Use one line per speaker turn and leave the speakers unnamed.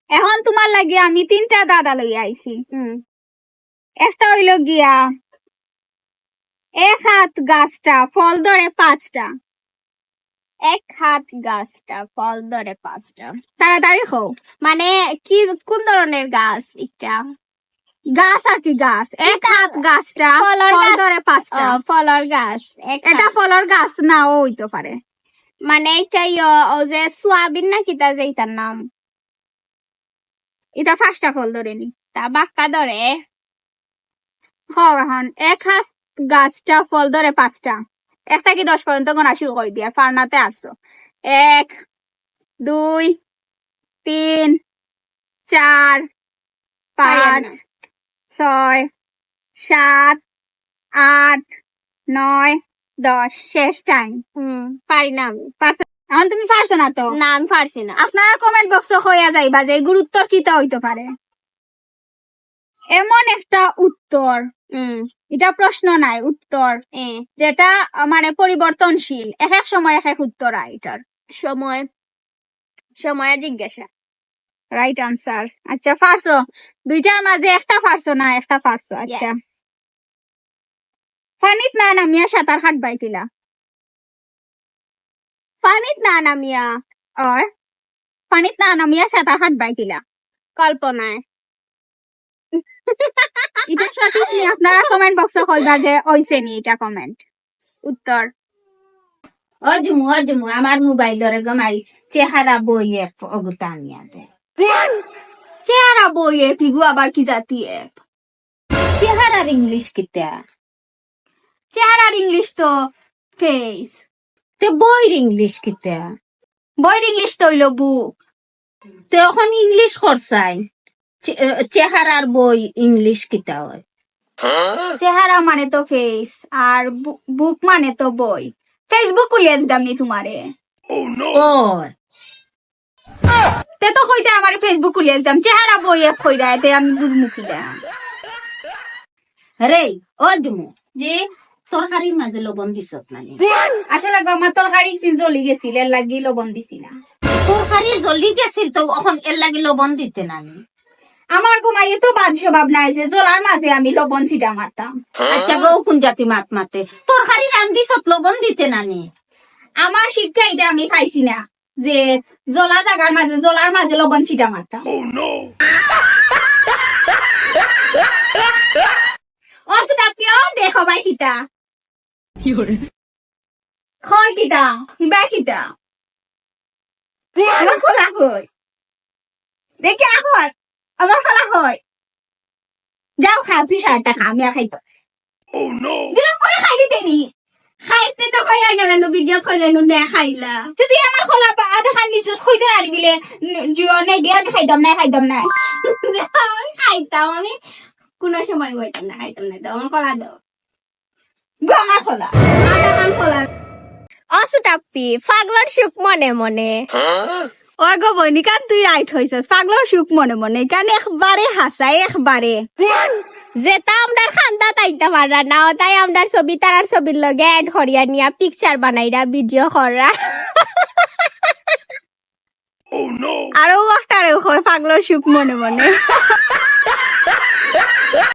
এখন তোমার লাগে আমি 3টা দাদা লই আইছি। একটা হইল গিয়া এক হাত গাছটা ফল ধরে 5টা।
এক হাত গাছটা ফল ধরে 5টা।
তাড়াতাড়ি হও।
মানে কি কোন ধরনের গাছ এটা?
গাছ আর কি গাছ, এক হাত গাছটা
ফলর
ফল
গাছ।
ধরে 5টা।
ফলর গাছ।
এটা ফলর গাছ নাও হইতে পারে।
মানে এটা ও যে সোয়াবিন না কিতা যে এটার নাম,
এটা 5টা ফল ধরেনি।
তা বাক্কা ধরে।
এখন এক হাত গাছটা ফল ধরে 5টা। একটা কি 10 পর্যন্ত গোনা শুরু করে দিয়ে ফার্নাতে আসছো। 1 2 3 4 5 6 7 8 9 10 শেষ টাইম।
পারি না আমি।
এখন তুমি পারছো না তো?
না আমি পারছি না।
আপনারা কমেন্ট বক্সে হইয়া যাইবা যে গুরুত্ব কিতা হইতে পারে। এমন একটা উত্তর, এটা প্রশ্ন নাই, উত্তর যেটা মানে পরিবর্তনশীল, এক এক সময় এক এক উত্তর হয় এটার।
সময় সময় জিজ্ঞাসা।
Right answer. আচ্ছা পারছো, দুইটার মাঝে একটা পারছো না, একটা পারছো। আচ্ছা ফানিত না নামিয়া সাঁতার কাটবাই কিলা?
পানিত না নামিয়া।
আর পানিত না নামিয়া সাঁতার কাটবাই কিলা?
কল্পনায়।
এটা সঠিক নি? আপনারা কমেন্ট বক্সে কইবা যে ওইছে নি এটা কমেন্ট উত্তর।
অজমু আমার মোবাইলরে গমাই চেহারা বইয়ে অগুতা আনিয়া দে।
চেহারা বই এপ ইগু আবার কি জাতি এপ?
চেহারার ইংলিশ কিতা?
চেহারার ইংলিশ তো ফেস।
তে বইর ইংলিশ কিতা?
বইয়ের ইংলিশ তো হইলো বুক।
তে এখন ইংলিশ করছাই, চেহারার বই ইংলিশ কিতা হয়?
চেহারা মানে তো ফেস আর বুক মানে তো বই। ফেসবুক খুলিয়া দিতাম নি তোমারে।
ওই
তে তো কইতে আমারে ফেসবুক খুলিয়া দিতাম, চেহারা বই এক কইরা এতে আমি বুঝমু কিলা।
রে অজমু
জি
তরকারির মাঝে লবণ দিছত নানি?
আসলে আমার তরকারি জ্বলি গেছিল, এর লাগি লবণ দিছি না।
তরকারি জ্বলি গেছিল তো এখন এর লাগি লবণ দিতে নানি?
আমার ঘুমাইয়ে তো বাদ স্বভাব নাই যে জলার মাঝে আমি লবণ ছিটা মারতাম।
আচ্ছা গো কোন জাতি মাত মাতে তরকারি রান্ধিছত লবণ দিতে নানি?
আমার শিক্ষা এটা আমি খাইছি না যে জলা জাগার মাঝে জলার মাঝে লবণ ছিটা মারতাম। অসুবিধা কেউ দেখো ভাই কিতা হয় কিতা হিবা কিতা আমার খোলা হয় দেখি এখন আমার খোলা হয়। যাও খা তুই সারটা খা, আমি আর খাইতো দিলাম পরে খাই দিতে নি। খাইতে তো কইয়া গেলেন ভিডিও কইলেন না খাইলা তুই আমার খোলা আধা খান নিছিস কইতে আর দিলে জিও নাই দিয়া খাইতাম না
খাইতাম আমি কোনো সময় হইতাম না, খাইতাম না। আমার কলা দাও।
আমার খোলা আধা খান খোলা।
অসুটাপ্পি পাগলার সুখ মনে মনে।
ও গো বনিকা তুই রাইট হইছিস, পাগলার সুখ মনে মনে কারণ একবারে হাসাই একবারে।
যেটা আমরা খান্দা তাইতে পারা না, তাই আমরা ছবি তারার ছবির লগে এড করিয়া নিয়া পিকচার বানাইরা ভিডিও করা।
আরো একটা হয় পাগলার সুখ মনে মনে।